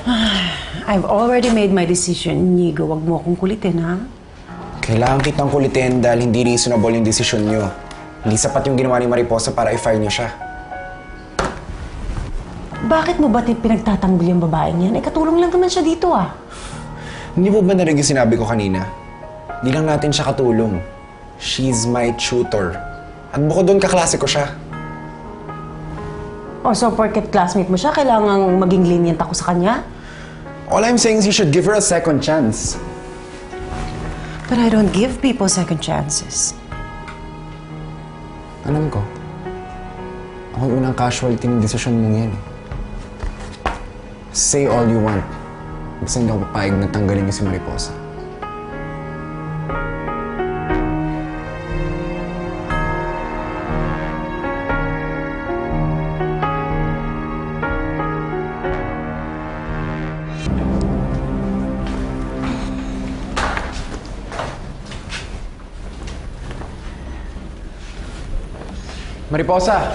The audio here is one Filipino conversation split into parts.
I've already made my decision, Inigo. Huwag mo akong kulitin, ha? Kailangan kitang kulitin dahil hindi reasonable yung desisyon niyo. Hindi sapat yung ginawa ni Mariposa para i-fire niyo siya. Bakit mo ba pinagtatanggol yung babaeng yan? Eh, katulong lang naman siya dito, ah. Hindi mo ba narinig yung sinabi ko kanina? Hindi lang natin siya katulong. She's my tutor. At bukod doon, kaklase ko siya. O, so porket classmate mo siya, kailangang maging lenient ako sa kanya? All I'm saying is you should give her a second chance. But I don't give people second chances. Alam ko. Ako yung unang casualty ng desisyon mong yan. Say all you want. Basta hindi ako papayag na tanggalin niyo si Mariposa. Mariposa!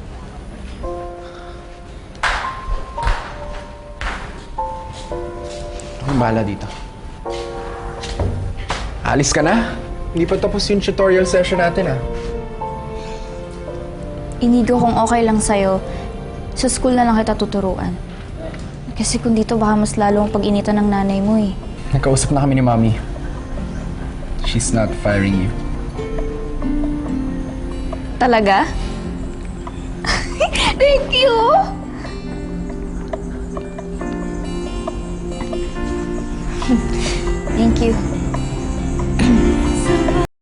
Akong bahala dito. Alis ka na? Hindi pa tapos yung tutorial session natin, ah. Inigo kung okay lang sa'yo, sa school na lang kita tuturuan. Kasi kung dito baka mas lalo ang pag-initan ng nanay mo eh. Nagkausap na kami ni Mommy. She's not firing you. Talaga? Thank you! Thank you.